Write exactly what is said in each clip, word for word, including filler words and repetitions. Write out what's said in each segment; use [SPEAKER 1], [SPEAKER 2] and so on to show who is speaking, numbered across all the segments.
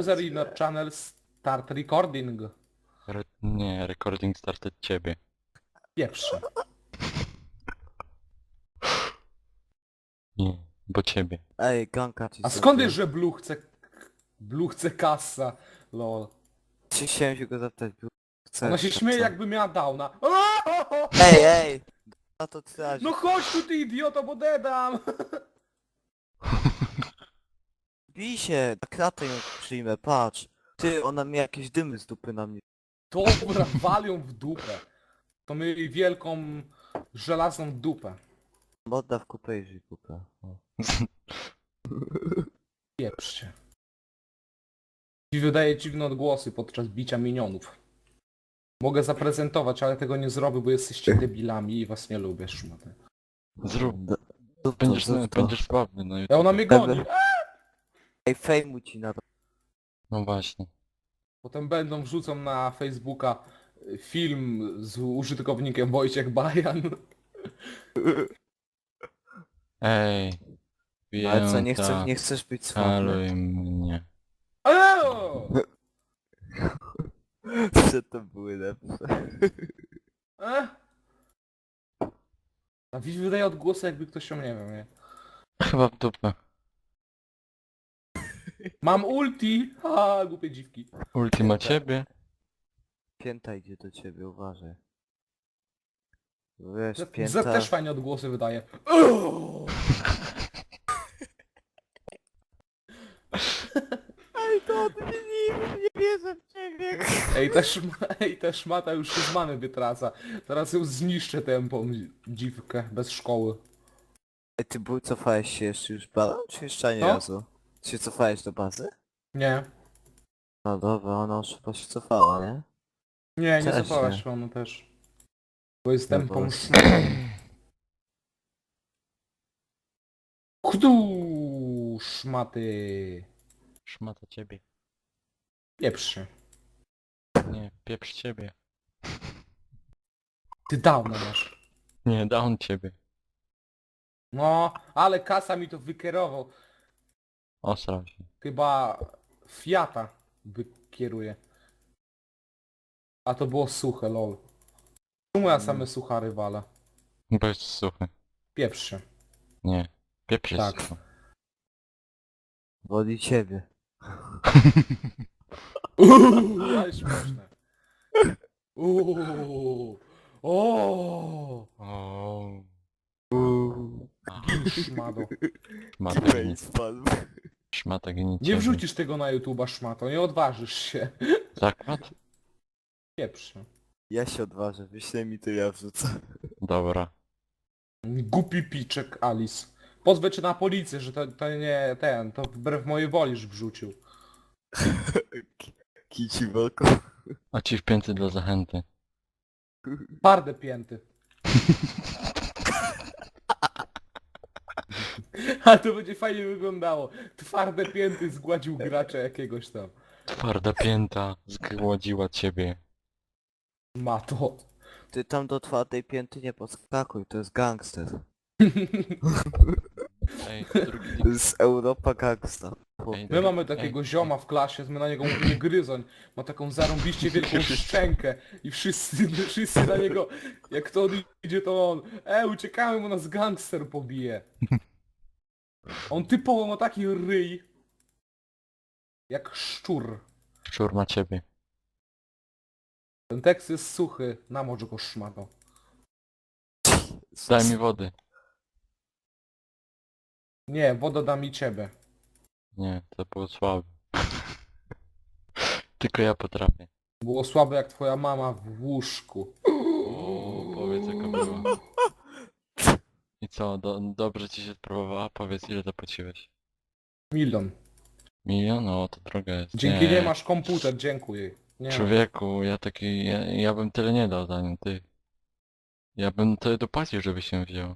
[SPEAKER 1] User in your channel start recording.
[SPEAKER 2] Re nie, recording start od ciebie.
[SPEAKER 1] Pierwsze.
[SPEAKER 2] Nie, bo ciebie.
[SPEAKER 3] Ej, ganka ci
[SPEAKER 1] A
[SPEAKER 3] zrobię.
[SPEAKER 1] skąd jest, że Blue chce... Blue chce kasa? Lol.
[SPEAKER 3] Czy chciałem się go zapytać, był... Chcesz,
[SPEAKER 1] Ona się
[SPEAKER 3] to
[SPEAKER 1] śmieje
[SPEAKER 3] co?
[SPEAKER 1] jakby miała downa.
[SPEAKER 3] Ej, ej! No to ty
[SPEAKER 1] No chodź tu ty idioto, bo dedam!
[SPEAKER 3] Bij się, na kratę ją przyjmę, patrz. Ty, ona mi jakieś dymy z dupy na mnie.
[SPEAKER 1] Dobra, walią w dupę. To my jej wielką, żelazną dupę.
[SPEAKER 3] Odda w kupę i żyj kupę. O.
[SPEAKER 1] Pieprzcie. I wydaje dziwne odgłosy podczas bicia minionów. Mogę zaprezentować, ale tego nie zrobię, bo jesteście debilami i was nie lubię, szmaty.
[SPEAKER 2] Zrób.
[SPEAKER 3] D- Zrób to,
[SPEAKER 2] Będziesz,
[SPEAKER 3] zrób to.
[SPEAKER 2] będziesz sławny na
[SPEAKER 1] Ja
[SPEAKER 2] YouTube.
[SPEAKER 1] ona mnie goni.
[SPEAKER 3] Ej, fejmu ci na to.
[SPEAKER 2] No właśnie.
[SPEAKER 1] Potem będą wrzucą na Facebooka film z użytkownikiem Wojciech Bajan.
[SPEAKER 2] Ej.
[SPEAKER 3] Ale co, nie,
[SPEAKER 2] Pięta,
[SPEAKER 3] chcesz, nie chcesz być sławny?
[SPEAKER 2] haluj mnie.
[SPEAKER 1] Eo!
[SPEAKER 3] Co to były lepsze?
[SPEAKER 1] E? A widz wydaje odgłosy, jakby ktoś się, nie wiem, nie?
[SPEAKER 2] Chyba w dupę.
[SPEAKER 1] Mam ulti! Ha, głupie dziwki.
[SPEAKER 2] Ultima ciebie.
[SPEAKER 3] Pięta idzie do ciebie, uważaj. Wiesz,
[SPEAKER 1] Z
[SPEAKER 3] pięta...
[SPEAKER 1] też fajnie odgłosy wydaje. Eo!
[SPEAKER 3] Ej, to odmienimy, nie wierzę w ciebie.
[SPEAKER 1] Ej, ta, szma, ej, ta szmata już się z mamy wytraca. Teraz ją zniszczę tępą dziwkę, bez szkoły.
[SPEAKER 3] Ej, ty był, cofałeś się jeszcze już balon, czy jeszcze ani
[SPEAKER 1] No.
[SPEAKER 3] razu? Ty się cofałeś do bazy?
[SPEAKER 1] Nie.
[SPEAKER 3] No dobra, ona już chyba się cofała, nie?
[SPEAKER 1] Nie, nie
[SPEAKER 3] Cześć,
[SPEAKER 1] zapała
[SPEAKER 3] nie.
[SPEAKER 1] się ona też. Bo jest tępą
[SPEAKER 3] Boże.
[SPEAKER 1] szmatą. Chdu szmaty.
[SPEAKER 2] Szmata ciebie.
[SPEAKER 1] Pieprz się.
[SPEAKER 2] Nie, pieprz ciebie.
[SPEAKER 1] Ty dawno masz.
[SPEAKER 2] Nie, down ciebie.
[SPEAKER 1] No, ale kasa mi to wykierował.
[SPEAKER 2] Osrał się.
[SPEAKER 1] Chyba Fiata wykieruje. A to było suche, lol. Czemu ja same suchary walę?
[SPEAKER 2] Bo jest suchy.
[SPEAKER 1] Pieprz się.
[SPEAKER 2] Nie. Pieprz jest
[SPEAKER 1] Tak.
[SPEAKER 2] suchy.
[SPEAKER 3] Woli ciebie.
[SPEAKER 1] Uuu, ale śmieszne. Uuu. O.
[SPEAKER 2] O.
[SPEAKER 1] Gin szmato.
[SPEAKER 2] Szmata gni.
[SPEAKER 3] spadł.
[SPEAKER 2] Szmata gni
[SPEAKER 1] Nie
[SPEAKER 2] ciebie.
[SPEAKER 1] wrzucisz tego na YouTube'a, szmato, nie odważysz się.
[SPEAKER 2] Zakład?
[SPEAKER 1] Pieprz się.
[SPEAKER 3] Ja się odważę, wyślij mi to, ja wrzucę.
[SPEAKER 2] Dobra.
[SPEAKER 1] Głupi piczek Alice. Pozwę cię na policję, że to, to nie ten, to wbrew mojej woli już wrzucił.
[SPEAKER 3] Kici wolko.
[SPEAKER 2] A ci w pięty dla zachęty.
[SPEAKER 1] Twarde pięty. A to będzie fajnie wyglądało. Twarde pięty zgładził gracza jakiegoś tam.
[SPEAKER 2] Twarda pięta zgładziła ciebie.
[SPEAKER 1] Mato.
[SPEAKER 3] Ty tam do twardej pięty nie podskakuj, to jest gangster.
[SPEAKER 2] Ej, drugi
[SPEAKER 3] To jest Europa gangsta.
[SPEAKER 2] Ej,
[SPEAKER 1] My mamy takiego zioma w klasie, my na niego mówimy gryzoń. Ma taką zarąbiście wielką szczękę i wszyscy, wszyscy na niego, jak to on idzie, to on, e, uciekamy, bo nas gangster pobije. On typowo ma taki ryj, jak szczur.
[SPEAKER 2] szczur ma ciebie.
[SPEAKER 1] Ten tekst jest suchy, na morze go szmato.
[SPEAKER 2] Daj mi wody.
[SPEAKER 1] Nie, woda da mi ciebie.
[SPEAKER 2] Nie, to było słabe. Tylko ja potrafię.
[SPEAKER 1] Było słabe jak twoja mama w łóżku.
[SPEAKER 2] O, powiedz jaka była. I co, do, dobrze ci się sprawowała? Powiedz ile zapłaciłeś.
[SPEAKER 1] Milion.
[SPEAKER 2] Milion? O, to droga jest.
[SPEAKER 1] Dzięki nie masz komputer, dziękuję. Nie.
[SPEAKER 2] Człowieku, ja taki, ja, ja bym tyle nie dał za nią, ty. Ja bym tyle dopłacił, żeby się wziął.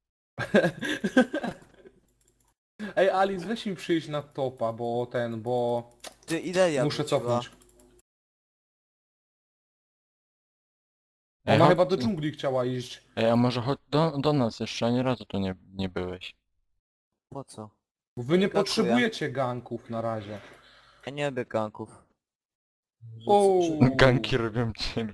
[SPEAKER 1] Ej, Alice, weź mi przyjść na topa, bo ten, bo
[SPEAKER 3] Ty ile ja
[SPEAKER 1] muszę
[SPEAKER 3] wróciła?
[SPEAKER 1] cofnąć.
[SPEAKER 2] Ej,
[SPEAKER 1] Ona
[SPEAKER 2] chodź-
[SPEAKER 1] chyba do dżungli chciała iść.
[SPEAKER 2] Ej, a może chodź do, do nas, jeszcze ani razu tu nie, nie byłeś.
[SPEAKER 3] Po co?
[SPEAKER 1] Bo wy nie
[SPEAKER 3] Dziękuję.
[SPEAKER 1] potrzebujecie ganków na razie.
[SPEAKER 3] Ja nie lubię ganków.
[SPEAKER 1] O.
[SPEAKER 2] Ganki robią ciebie.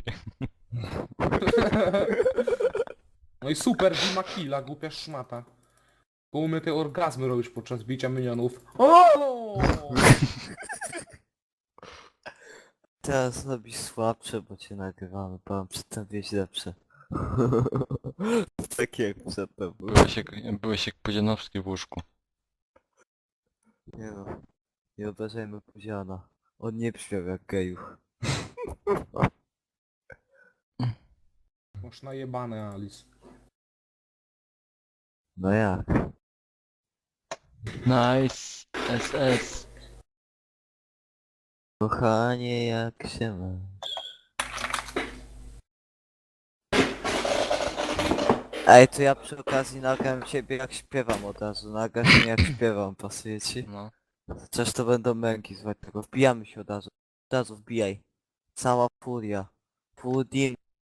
[SPEAKER 1] No i super, Dima Killa, głupia szmata. Bo umie te orgazmy robić podczas bicia minionów. O!
[SPEAKER 3] Teraz robisz słabsze, bo cię nagrywamy, bo mam przedtem wieść lepsze. Tak jak przedtem.
[SPEAKER 2] Byłeś jak, byłeś jak Pudzianowski w łóżku.
[SPEAKER 3] Nie no. Nie obrażajmy Puziana. On nie brzmiał jak gejuch.
[SPEAKER 1] Masz najebane, Alice.
[SPEAKER 3] No jak?
[SPEAKER 2] Nice. S S.
[SPEAKER 3] Kochanie, jak się masz? Ej, to ja przy okazji nagram ciebie jak śpiewam od razu. Nagrasz mnie jak śpiewam, pasuje ci?
[SPEAKER 2] No.
[SPEAKER 3] Chociaż to będą męki, słuchaj tego. Wbijamy się od razu. Od razu wbijaj. Cała furia. Full deal.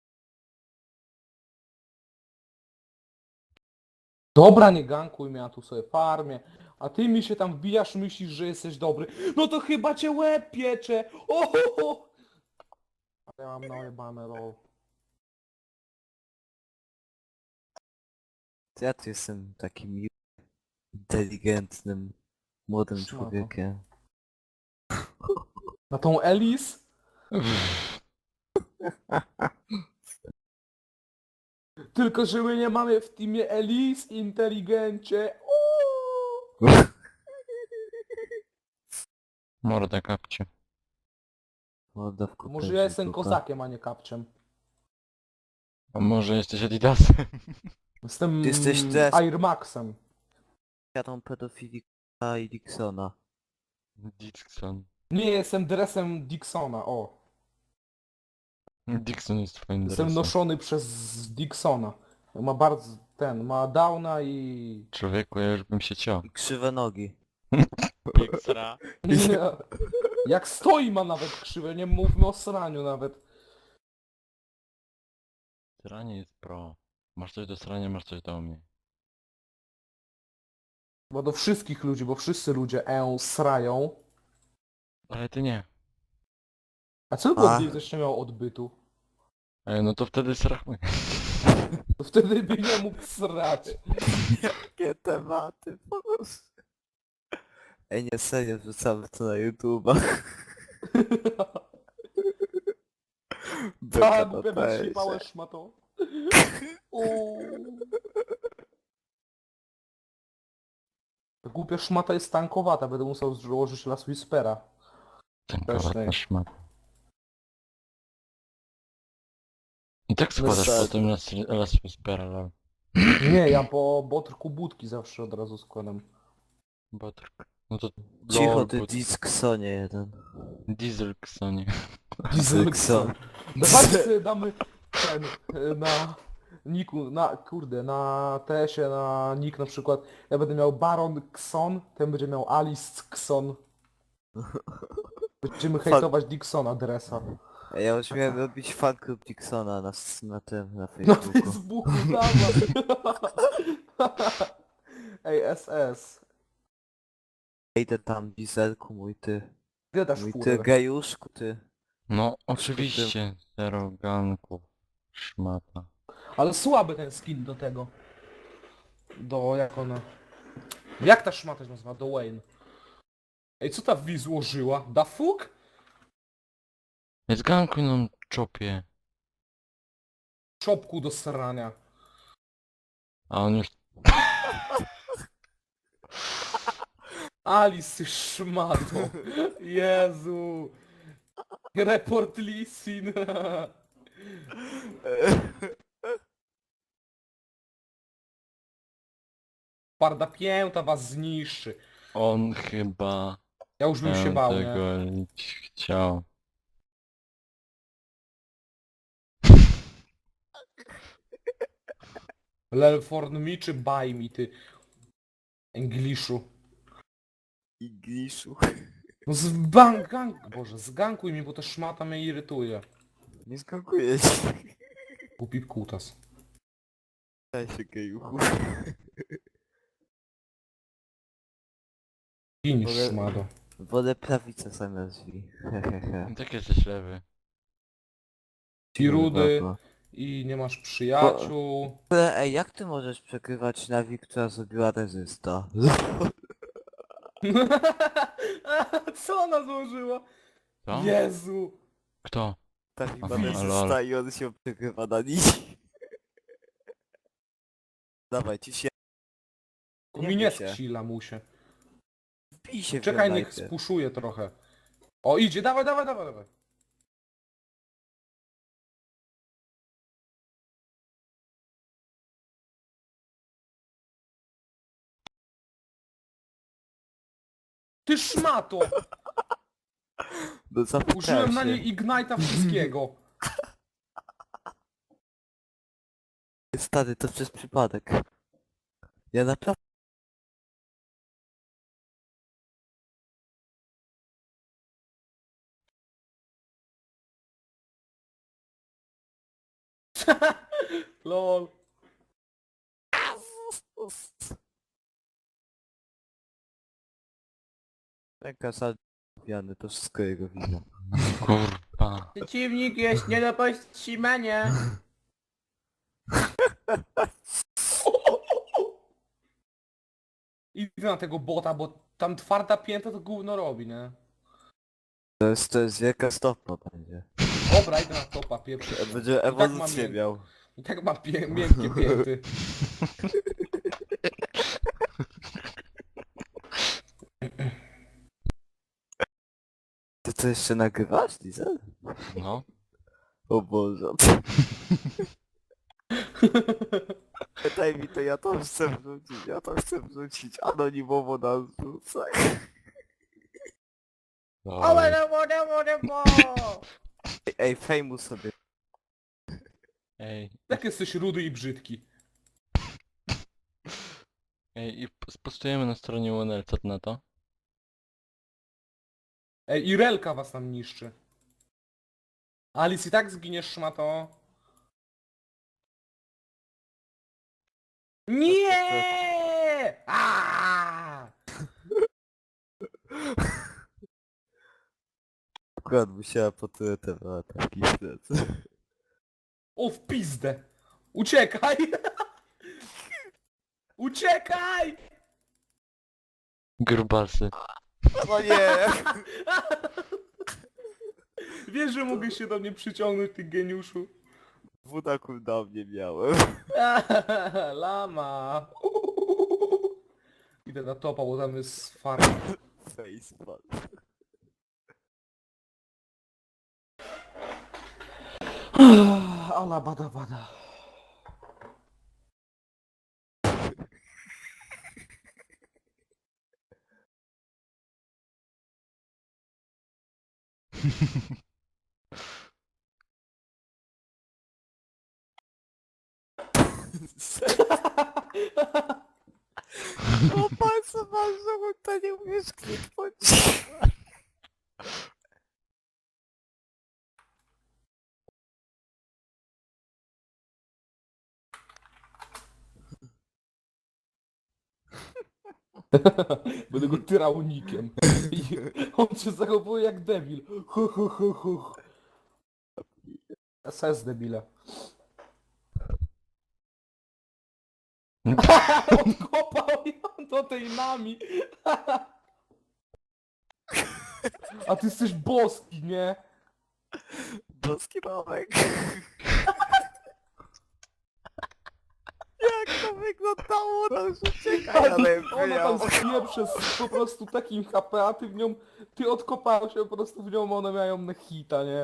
[SPEAKER 1] Dobra, nie gankuj mnie, ja tu sobie farmię. A ty mi się tam wbijasz, myślisz, że jesteś dobry. No to chyba cię łeb piecze. Ohoho! Ale ja mam najebane roll.
[SPEAKER 3] Ja tu jestem takim miłym, inteligentnym, młodym
[SPEAKER 1] Szmato.
[SPEAKER 3] człowiekiem.
[SPEAKER 1] Na tą Alice? Tylko, że my nie mamy w teamie Alice, inteligencie. Uuu.
[SPEAKER 2] Morda kapcie.
[SPEAKER 3] Morda w kopę,
[SPEAKER 1] Może ja jestem
[SPEAKER 3] dupa.
[SPEAKER 1] kozakiem, a nie kapczem.
[SPEAKER 2] A może jesteś Adidasem?
[SPEAKER 1] Jestem
[SPEAKER 3] Ty jesteś też-
[SPEAKER 1] Air Maxem.
[SPEAKER 3] Jadą pedofilika i Dixona.
[SPEAKER 2] Dixon.
[SPEAKER 1] Nie, jestem dresem Dixona, o.
[SPEAKER 2] Dixon jest twoim
[SPEAKER 1] Jestem
[SPEAKER 2] dresem.
[SPEAKER 1] noszony przez Dixona. Ma bardzo, ten, ma downa i...
[SPEAKER 2] Człowieku, ja już bym się ciął.
[SPEAKER 3] I krzywe nogi.
[SPEAKER 2] Xra.
[SPEAKER 1] Nie. Jak stoi ma nawet krzywe, nie mówmy o sraniu nawet.
[SPEAKER 2] Sranie jest pro. Masz coś do srania, masz coś do mnie.
[SPEAKER 1] Bo do wszystkich ludzi, bo wszyscy ludzie e srają.
[SPEAKER 2] Ale ty nie.
[SPEAKER 1] A co
[SPEAKER 3] A.
[SPEAKER 1] go gdzieś nie miał odbytu?
[SPEAKER 2] Ej, no to wtedy sramy.
[SPEAKER 1] To wtedy by nie mógł srać.
[SPEAKER 3] Jakie tematy, proszę. Ej, nie serio, wrzucamy to na YouTube'a.
[SPEAKER 1] Tak,
[SPEAKER 3] Beka na
[SPEAKER 1] głupia
[SPEAKER 3] fejsie.
[SPEAKER 1] wytrzymałeś szmato. Uuu. Ta głupia szmata jest tankowata, będę musiał złożyć Las Whispera.
[SPEAKER 2] Ten
[SPEAKER 1] Też
[SPEAKER 2] kawałek
[SPEAKER 1] nie.
[SPEAKER 2] na szmat. I tak
[SPEAKER 3] No
[SPEAKER 2] składasz
[SPEAKER 3] tak.
[SPEAKER 2] potem Las, las Whispera, lol.
[SPEAKER 1] Nie, ja po botrku budki zawsze od razu składam.
[SPEAKER 2] Botrk. No to...
[SPEAKER 3] Cicho
[SPEAKER 2] lol,
[SPEAKER 3] ty
[SPEAKER 2] but-
[SPEAKER 3] Dixonie jeden.
[SPEAKER 2] Dieselksonie.
[SPEAKER 1] Dieselkson. Dawajcie sobie damy ten, e, na niku, na, kurde, na T S-ie, na nick na przykład. Ja będę miał Baron Xon, ten będzie miał Alice Xon. Będziemy hejtować Dixona Dressa.
[SPEAKER 3] Ej, ja już miałem robić fanklub Dixona na, s- na tym, na
[SPEAKER 1] Na
[SPEAKER 3] Facebooku.
[SPEAKER 1] Facebooku, dawaj. Ej, S S.
[SPEAKER 3] Idę tam, Dieselku, mój ty.
[SPEAKER 1] Gdzie dasz
[SPEAKER 3] Mój ty
[SPEAKER 1] furę?
[SPEAKER 3] gejuszku, ty.
[SPEAKER 2] No oczywiście, zero ganków. Szmata.
[SPEAKER 1] Ale słaby ten skin do tego. Do, jak ona... Jak ta szmata się nazywa? Do Wayne. Ej, co ta V złożyła? Da fuck?
[SPEAKER 2] Jest gankuj nam czopie.
[SPEAKER 1] Czopku do srania.
[SPEAKER 2] A on już...
[SPEAKER 1] Alice, ty szmato. Jezu. Report Lisin. Parda pięta was zniszczy.
[SPEAKER 2] On chyba...
[SPEAKER 1] Ja już bym się
[SPEAKER 2] em,
[SPEAKER 1] bał, nie?
[SPEAKER 2] tego chciał.
[SPEAKER 1] Lelforn mi czy buy mi, ty. Engliszu.
[SPEAKER 3] Ingliszu.
[SPEAKER 1] No z bank, gang, boże, zgankuj mi, bo ta szmata mnie irytuje.
[SPEAKER 3] Nie skakuję ci.
[SPEAKER 1] Głupi kutas.
[SPEAKER 3] Daj się gejuchu.
[SPEAKER 1] Ginisz,
[SPEAKER 3] Mogę-
[SPEAKER 1] szmato.
[SPEAKER 3] Wolę prawicę zamiast drzwi. Hehehe.
[SPEAKER 2] Tak jesteś lewy.
[SPEAKER 1] I rudy,
[SPEAKER 3] Kurwa.
[SPEAKER 1] i nie masz przyjaciół.
[SPEAKER 3] Ale ej, jak ty możesz przegrywać Nawi, która zrobiła rezysta?
[SPEAKER 1] Co ona złożyła?
[SPEAKER 2] Co?
[SPEAKER 1] Jezu!
[SPEAKER 2] Kto?
[SPEAKER 3] Nawi
[SPEAKER 2] Aha,
[SPEAKER 3] ma
[SPEAKER 2] lol.
[SPEAKER 3] rezysta i on się przegrywa na nici. Dawaj, ci się...
[SPEAKER 1] Mi nie
[SPEAKER 3] bój się.
[SPEAKER 1] skrzy, lamusie.
[SPEAKER 3] Wbij się w
[SPEAKER 1] Czekaj,
[SPEAKER 3] nią
[SPEAKER 1] niech
[SPEAKER 3] najpierw.
[SPEAKER 1] spuszuje trochę. O, idzie, dawaj, dawaj, dawaj, dawaj. Ty szmato!
[SPEAKER 3] No zapukałem
[SPEAKER 1] Użyłem na
[SPEAKER 3] się.
[SPEAKER 1] niej Ignite'a wszystkiego.
[SPEAKER 3] Stary, to przez przypadek. Ja naprawdę...
[SPEAKER 1] Lol.
[SPEAKER 3] Ręka salwiany, to wszystko jego wina.
[SPEAKER 2] Kurwa.
[SPEAKER 1] Przeciwnik jest nie do powstrzymania. Idę na tego bota, bo tam twarda pięta to gówno robi, nie?
[SPEAKER 3] To jest, to jest wielka stopa będzie.
[SPEAKER 1] Dobra, idę na topa, pierwszy.
[SPEAKER 3] Będzie
[SPEAKER 1] tak mam
[SPEAKER 3] ewolucję
[SPEAKER 1] mię-
[SPEAKER 3] miał.
[SPEAKER 1] I tak ma pie miękkie pięty.
[SPEAKER 3] Ty to jeszcze nagrywasz, Diesel?
[SPEAKER 2] No.
[SPEAKER 3] O Boże. Pytaj mi to, ja to chcę wrzucić, ja to chcę wrzucić anonimowo na zrzucach.
[SPEAKER 2] Oj.
[SPEAKER 3] Ej, ej, fejmu sobie.
[SPEAKER 2] Ej,
[SPEAKER 1] Jak jesteś rudy i brzydki.
[SPEAKER 2] ej, i p- spostujemy na stronie U N L, co ty na to?
[SPEAKER 1] Ej, Irelka was tam niszczy. Alice i tak zginiesz, szmato. Nie! Aaaa!
[SPEAKER 3] Akurat musiała po tyle te ataki śledzę.
[SPEAKER 1] O, w pizdę! Uciekaj! Uciekaj!
[SPEAKER 2] Grubasy.
[SPEAKER 3] No nie!
[SPEAKER 1] Wiesz, że mogę się do mnie przyciągnąć, ty geniuszu?
[SPEAKER 3] Wudaku na mnie miałem.
[SPEAKER 1] Lama! Idę na topa, bo tam jest farma.
[SPEAKER 3] Facepal.
[SPEAKER 1] Ala bada bada.
[SPEAKER 3] O palce masz, że to nie umiesz kliknąć.
[SPEAKER 1] Będę go tyrał nikiem. I on się zachowuje jak debil. Hu, hu, hu, hu. S S debile. Odkopał ją do tej nami. A ty jesteś boski, nie?
[SPEAKER 3] Boski Romek. Jak to wyglądało, no już uciekaj, ale
[SPEAKER 1] Ona tam
[SPEAKER 3] wyjął.
[SPEAKER 1] zginie przez po prostu takim H P, a ty w nią, ty odkopałeś się po prostu w nią, one mają na hita, nie?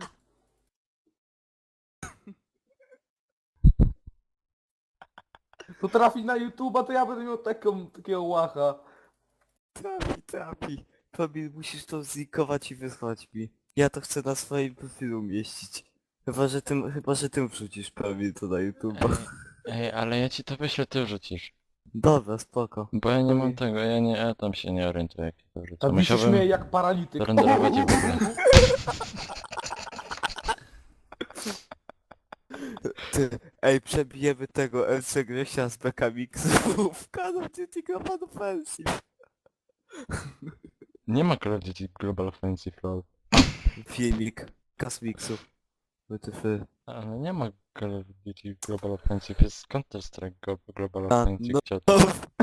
[SPEAKER 1] To trafi na YouTube'a, to ja będę miał taką, takiego łacha.
[SPEAKER 3] Trafi, trafi. Tobie musisz to zlikować i wysłać mi. Ja to chcę na swoim profilu umieścić. Chyba, że tym, chyba, że tym wrzucisz prawie to na YouTube.
[SPEAKER 2] Ej, ej, ale ja ci to wyślę, ty wrzucisz.
[SPEAKER 3] Dobra, spoko.
[SPEAKER 2] Bo ja nie
[SPEAKER 1] To
[SPEAKER 2] mam
[SPEAKER 1] mi-
[SPEAKER 2] tego, ja nie, ja tam się nie orientuję jak to wrzucę.
[SPEAKER 1] A mi się śmieje jak paralityk.
[SPEAKER 2] zarenderować je w ogóle.
[SPEAKER 3] Ty, ej, przebijemy tego M C Grzesia z Beka Mixu w Call of Duty Global Offensive.
[SPEAKER 2] Nie ma Call of Duty Global Offensive lol.
[SPEAKER 3] Filmik. Kasmiksu. W T F.
[SPEAKER 2] Ale nie ma Call of Duty Global Offensive, jest Counter Strike Go- Global
[SPEAKER 3] A,
[SPEAKER 2] Offensive.
[SPEAKER 3] no.
[SPEAKER 2] cioto.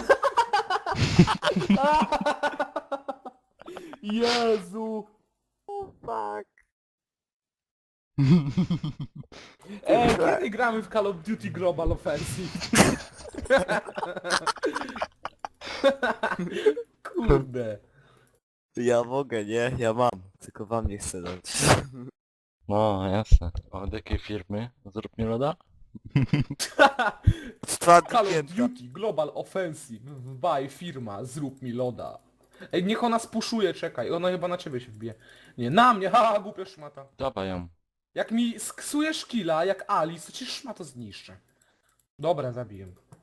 [SPEAKER 1] Jezu!
[SPEAKER 3] Oh fuck.
[SPEAKER 1] Ej, kiedy gramy w Call of Duty Global Offensive? Kurde.
[SPEAKER 3] Ja mogę, nie? Ja mam. Tylko wam nie chcę dać.
[SPEAKER 2] No jasne. Od jakiej firmy? Zrób mi loda?
[SPEAKER 3] Czwarty
[SPEAKER 1] Call of
[SPEAKER 3] piętra.
[SPEAKER 1] Duty Global Offensive. Buy firma, zrób mi loda. Ej, niech ona spuszuje, czekaj. Ona chyba na ciebie się wbije. Nie, na mnie, haha, głupia szmata.
[SPEAKER 2] Dawaj ją.
[SPEAKER 1] Jak mi sksujesz killa, jak Alice, to ci szmato zniszczę. Dobra, zabiję.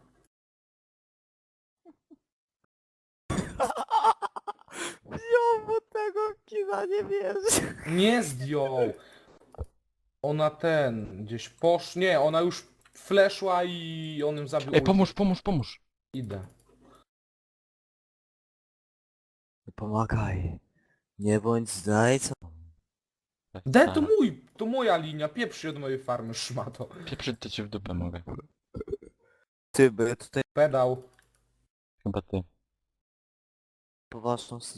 [SPEAKER 3] Jo, bo tego kina nie wierzę.
[SPEAKER 1] Nie zdjął. Ona ten, gdzieś posz... Nie, ona już fleszła i on ją zabił.
[SPEAKER 2] Ej, pomóż, pomóż, pomóż!
[SPEAKER 1] Idę.
[SPEAKER 3] Pomagaj. Nie bądź zdrajcą.
[SPEAKER 1] De, to mój, to moja linia, pieprz się od mojej farmy, szmato.
[SPEAKER 2] Pieprzyć to ci w dupę mogę.
[SPEAKER 3] Ty, bo ja tutaj
[SPEAKER 1] Pedał.
[SPEAKER 2] Chyba ty.
[SPEAKER 3] poważną sy-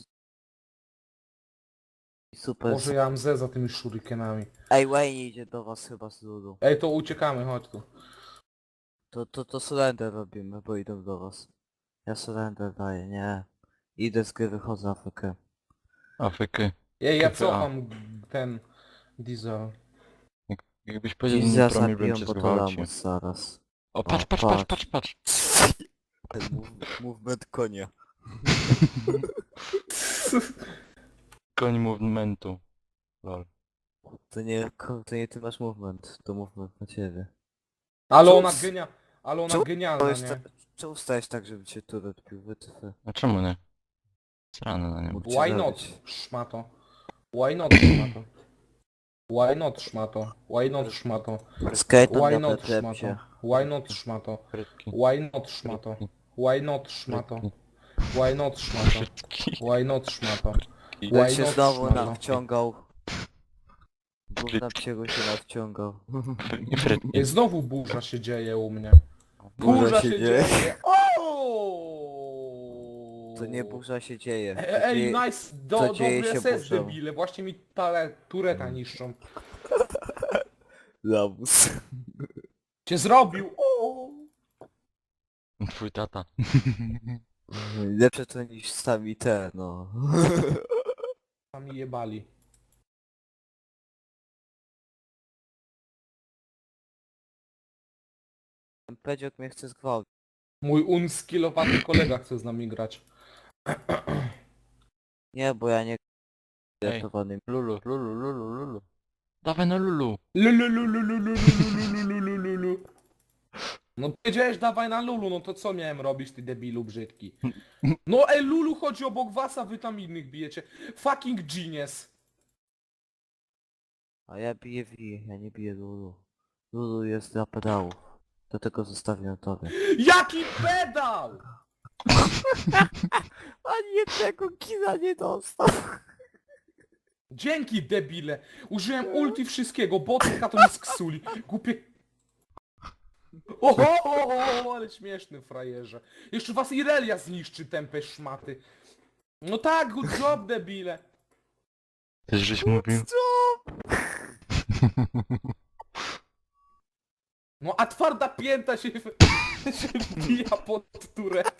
[SPEAKER 3] Super.
[SPEAKER 1] Może ja mam ze za tymi shurikenami.
[SPEAKER 3] Ej, Wayne idzie do was chyba z ludu.
[SPEAKER 1] Ej, to uciekamy, chodź tu.
[SPEAKER 3] To, to, to surrender robimy, bo idą do was. Ja surrender daję, nie. Idę z gry, wychodzę Afrykę.
[SPEAKER 2] Afryky.
[SPEAKER 1] Ej, ja
[SPEAKER 2] K P A.
[SPEAKER 1] cofam ten diesel.
[SPEAKER 2] Jakbyś powiedział,
[SPEAKER 3] I
[SPEAKER 2] że nie
[SPEAKER 3] zaraz
[SPEAKER 2] promi, bym
[SPEAKER 3] zabiją
[SPEAKER 2] cię
[SPEAKER 3] po to
[SPEAKER 2] zgwałcił.
[SPEAKER 3] lamus zaraz.
[SPEAKER 2] O, patrz,
[SPEAKER 3] O,
[SPEAKER 2] patrz, patrz, patrz, patrz!
[SPEAKER 3] Ten move, movement konia.
[SPEAKER 2] Koń movementu. Lol.
[SPEAKER 3] To nie, ko- to nie ty masz movement, to movement na ciebie.
[SPEAKER 1] Ale
[SPEAKER 3] Czemu
[SPEAKER 1] ona
[SPEAKER 3] s-
[SPEAKER 1] genia... Ale ona
[SPEAKER 3] czemu
[SPEAKER 1] genialna,
[SPEAKER 3] To jest
[SPEAKER 1] nie?
[SPEAKER 3] ta... Czemu stałeś tak, żeby cię tu odpił? Wytyfy.
[SPEAKER 2] A czemu nie? Srany na nią.
[SPEAKER 3] Mógł
[SPEAKER 1] Why
[SPEAKER 3] cię
[SPEAKER 1] not,
[SPEAKER 3] zabić.
[SPEAKER 1] szmato? Why not, szmato? Why not, szmato? Why not, szmato?
[SPEAKER 3] Skeleton
[SPEAKER 1] Why
[SPEAKER 3] na
[SPEAKER 1] not,
[SPEAKER 3] pleplepcie.
[SPEAKER 1] szmato? Why not, szmato?
[SPEAKER 2] Frytki.
[SPEAKER 1] Why not, szmato? Why not, szmato? Why not, szmato?
[SPEAKER 2] Frytki.
[SPEAKER 1] Why not, szmato?
[SPEAKER 2] I-
[SPEAKER 3] Ten
[SPEAKER 1] Why
[SPEAKER 3] się
[SPEAKER 1] not,
[SPEAKER 3] znowu
[SPEAKER 1] szmato?
[SPEAKER 3] nawciągał. Gówna psiego się nawciągał.
[SPEAKER 2] I frytki.
[SPEAKER 1] Ej, znowu burza się dzieje u mnie.
[SPEAKER 3] Burza
[SPEAKER 1] Burza
[SPEAKER 3] się
[SPEAKER 1] się
[SPEAKER 3] dzieje.
[SPEAKER 1] dzieje! O!
[SPEAKER 3] To nie burza się dzieje. To
[SPEAKER 1] Ej, ej,
[SPEAKER 3] dzieje-
[SPEAKER 1] nice, do,
[SPEAKER 3] co
[SPEAKER 1] dobry
[SPEAKER 3] dzieje się
[SPEAKER 1] S S
[SPEAKER 3] burzą?
[SPEAKER 1] debile, właśnie mi tale, tureta niszczą.
[SPEAKER 3] Lamus.
[SPEAKER 1] Cię zrobił! O!
[SPEAKER 2] Twój tata.
[SPEAKER 3] Lepsze to niż sami te, no.
[SPEAKER 1] Sami jebali.
[SPEAKER 3] Pedziok mnie chce zgwałcić.
[SPEAKER 1] Mój unskillowaty kolega chce z nami grać.
[SPEAKER 3] Nie, bo ja nie...
[SPEAKER 2] Ej.
[SPEAKER 3] Ratowanym.
[SPEAKER 2] Lulu, lulu, lulu, lulu. Dawaj na lulu.
[SPEAKER 1] Lululululululululululu. No powiedziałeś dawaj na Lulu, no to co miałem robić, ty debilu brzydki? No ej, Lulu chodzi obok was, a wy tam innych bijecie. Fucking genius.
[SPEAKER 3] A ja biję V, ja nie biję Lulu. Lulu jest dla pedałów. Dlatego zostawiam tobie.
[SPEAKER 1] Jaki pedał!
[SPEAKER 3] Ani jednego kina nie dostał.
[SPEAKER 1] Dzięki debile. Użyłem ulti wszystkiego, botka to mi sksuli. Głupie... Oho, oho, ale śmieszny frajerze. Jeszcze was Irelia zniszczy, tępe szmaty. No tak, good job debile.
[SPEAKER 2] Też żeś mówił?
[SPEAKER 1] No a twarda pięta się, się wbija pod turet.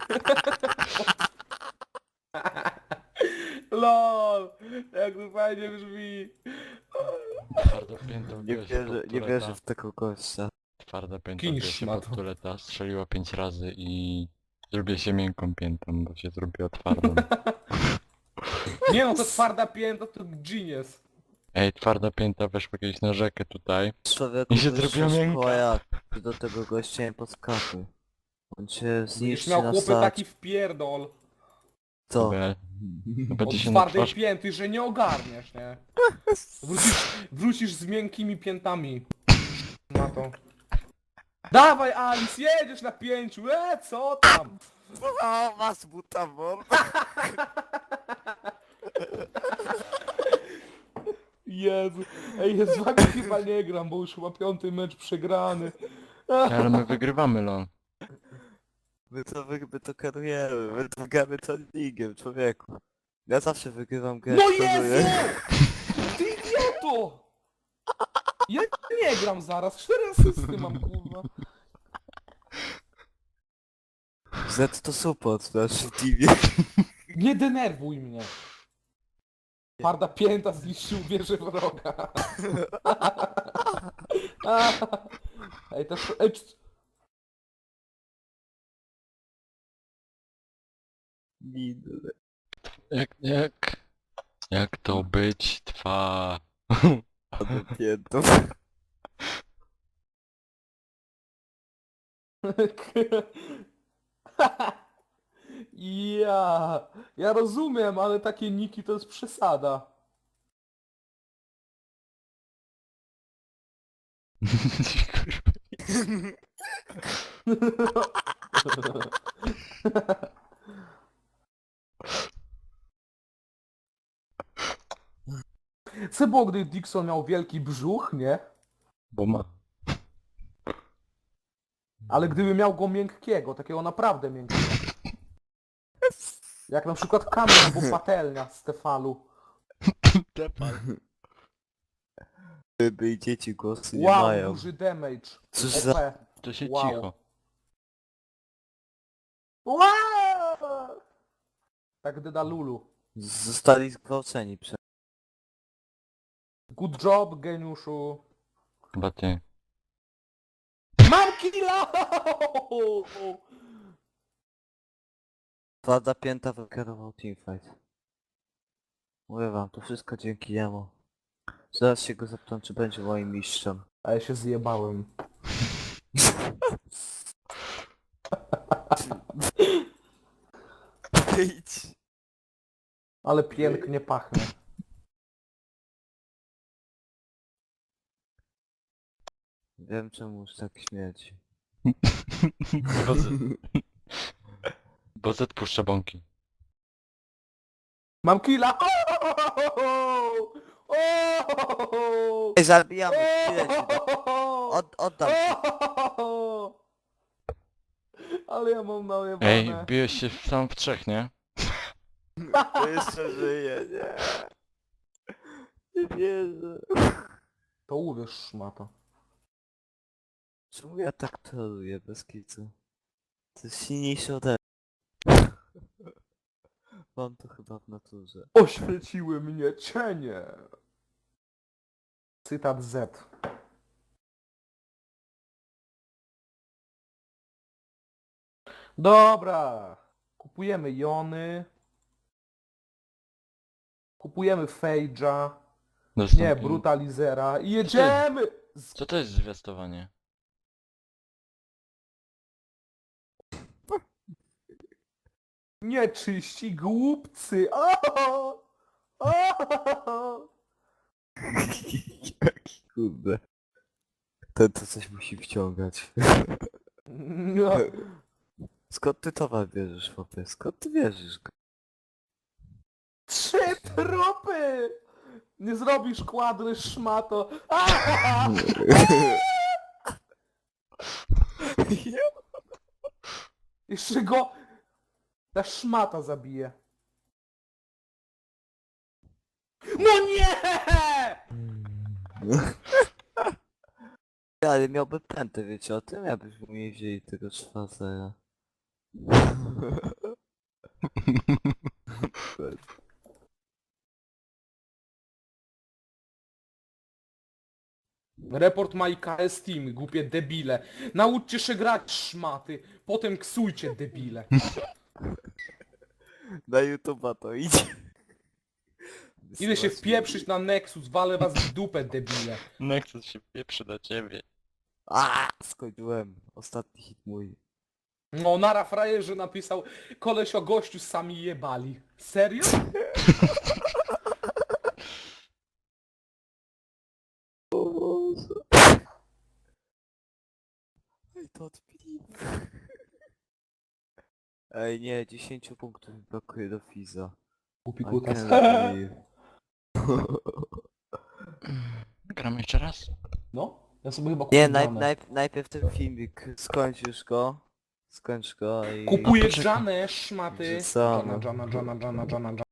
[SPEAKER 1] Lol, jak to fajnie brzmi.
[SPEAKER 2] Twarda pięta
[SPEAKER 3] Nie
[SPEAKER 2] wbiła się
[SPEAKER 3] wierzę,
[SPEAKER 2] pod
[SPEAKER 3] nie
[SPEAKER 2] tureta.
[SPEAKER 3] wierzę w tego gościa.
[SPEAKER 2] Twarda pięta
[SPEAKER 1] Kij
[SPEAKER 2] wbiła się
[SPEAKER 1] szmato.
[SPEAKER 2] pod tureta, strzeliła pięć razy i... Zrobię się miękką piętą, bo się zrobiła twardą.
[SPEAKER 1] Nie no, to twarda pięta to genius.
[SPEAKER 2] Ej, twarda pięta weszła kiedyś na rzekę tutaj.
[SPEAKER 3] Człowieku,
[SPEAKER 2] I się
[SPEAKER 3] wyższa
[SPEAKER 2] zrobiła miękka.
[SPEAKER 3] szkoła jak? Ty do tego gościa nie podskakuj. On cię
[SPEAKER 1] Będziesz
[SPEAKER 3] zniszczy
[SPEAKER 1] miał
[SPEAKER 3] na
[SPEAKER 1] chłopy
[SPEAKER 3] start.
[SPEAKER 1] taki wpierdol
[SPEAKER 3] Co?
[SPEAKER 2] Chyba, chyba
[SPEAKER 1] od
[SPEAKER 2] ci się na
[SPEAKER 1] twardej
[SPEAKER 2] twarz...
[SPEAKER 1] pięty, że nie ogarniesz, nie? Wrócisz, wrócisz z miękkimi piętami. Na to. Dawaj Alice, jedziesz na pięciu, e co tam?
[SPEAKER 3] O, was buta, bo...
[SPEAKER 1] Jezu. Ej, ja z wami chyba nie gram, bo już chyba piąty mecz przegrany.
[SPEAKER 2] Ale my wygrywamy, lol.
[SPEAKER 3] My to, wy, my to kierujemy, my to gramy to ligiem, człowieku. Ja zawsze wygrywam grę.
[SPEAKER 1] No
[SPEAKER 3] szanuję.
[SPEAKER 1] Jezu! Ty idioto! Ja nie gram zaraz, cztery asysty mam, kurwa.
[SPEAKER 3] Z to support w naszym teamie.
[SPEAKER 1] Nie denerwuj mnie. Twarda pięta zniszczył wieżę wroga. Ej, to... Ej, c-
[SPEAKER 3] Minę.
[SPEAKER 2] Jak, jak... Jak to być trwa?
[SPEAKER 3] Piętą.
[SPEAKER 1] Ja, ja rozumiem, ale takie niki to jest przesada. Co było, gdy Dixon miał wielki brzuch, nie?
[SPEAKER 2] Bo ma.
[SPEAKER 1] Ale gdyby miał go miękkiego, takiego naprawdę miękkiego. Jak na przykład kamień albo patelnia z Tefalu.
[SPEAKER 3] By i dzieci głosu nie
[SPEAKER 1] Wow,
[SPEAKER 3] mają.
[SPEAKER 1] duży damage.
[SPEAKER 3] Cóż za...
[SPEAKER 1] O P.
[SPEAKER 2] To się
[SPEAKER 1] Wow.
[SPEAKER 2] cicho.
[SPEAKER 1] Wow! Tak Dedalulu.
[SPEAKER 3] Zostali zgwałceni przez...
[SPEAKER 1] Good job, geniuszu.
[SPEAKER 2] Chyba ty.
[SPEAKER 1] Mam killa!
[SPEAKER 3] Twarda pięta wykierował teamfight. Mówię wam, to wszystko dzięki jemu. Zaraz się go zapytam, czy będzie moim mistrzem.
[SPEAKER 1] A ja się zjebałem.
[SPEAKER 3] Idź.
[SPEAKER 1] Ale pięknie pachnie.
[SPEAKER 3] Wiem czemu już tak śmierci.
[SPEAKER 2] Bo Z... Bo Z puszcza bąki.
[SPEAKER 1] Mam killa!
[SPEAKER 3] Ej, zabijamy! Chwilę ci dam. Od, oddam ci.
[SPEAKER 1] Ale ja mam najebane.
[SPEAKER 2] Ej, bijesz się sam w trzech, nie?
[SPEAKER 3] To jeszcze żyje, nie. Nie wierzę.
[SPEAKER 1] To uwierz, szmato.
[SPEAKER 3] Czemu ja tak troluję bez kicu? To jest silniejsze ode mnie. Mam to chyba w naturze.
[SPEAKER 1] Oświeciły mnie cienie. Cytat Z. Dobra. Kupujemy Jony. Kupujemy Fage'a. Nie,
[SPEAKER 2] Dostępny.
[SPEAKER 1] Brutalizera. I jedziemy! Z...
[SPEAKER 2] Co to jest zwiastowanie?
[SPEAKER 1] Nieczyści głupcy! O! O!
[SPEAKER 3] Jaki kurde. Ten to coś musi wciągać.
[SPEAKER 1] No.
[SPEAKER 3] Skąd ty towar bierzesz, chłopie? Skąd ty bierzesz go?
[SPEAKER 1] Trzy trupy! Nie zrobisz kwadry, szmato! A! Jeszcze go... Ta szmata zabije. No nie!
[SPEAKER 3] Ale miałby pętę, wiecie o tym? Jakbyśmy nie wzięli tego Schwarzera.
[SPEAKER 1] Report ma I K S Team, głupie debile. Nauczcie się grać, szmaty. Potem ksujcie, debile.
[SPEAKER 3] Na YouTube'a to idzie.
[SPEAKER 1] Idę się wpieprzyć na Nexus, walę was w dupę, debile.
[SPEAKER 2] Nexus się pieprzy do ciebie.
[SPEAKER 3] A, skończyłem. Ostatni hit mój.
[SPEAKER 1] No, Nara frajerze napisał, koleś o gościu sami jebali. Serio?
[SPEAKER 3] O Boże. Ej, to odpili. Ej, nie, dziesięć punktów mi brakuje do Fiza.
[SPEAKER 1] Głupi
[SPEAKER 3] I
[SPEAKER 1] kutas.
[SPEAKER 3] can't believe.
[SPEAKER 2] nagram jeszcze raz?
[SPEAKER 1] No, ja sobie chyba
[SPEAKER 3] Nie,
[SPEAKER 1] kupię
[SPEAKER 3] naj,
[SPEAKER 1] Janę.
[SPEAKER 3] naj, najpierw ten filmik, skończ już go. Skończ go i...
[SPEAKER 1] Kupuję
[SPEAKER 2] No, poczekaj.
[SPEAKER 1] Janę, szmaty.
[SPEAKER 3] Że co,
[SPEAKER 1] Jana,
[SPEAKER 3] no.
[SPEAKER 1] Jana, Jana, Jana, Jana, Jana.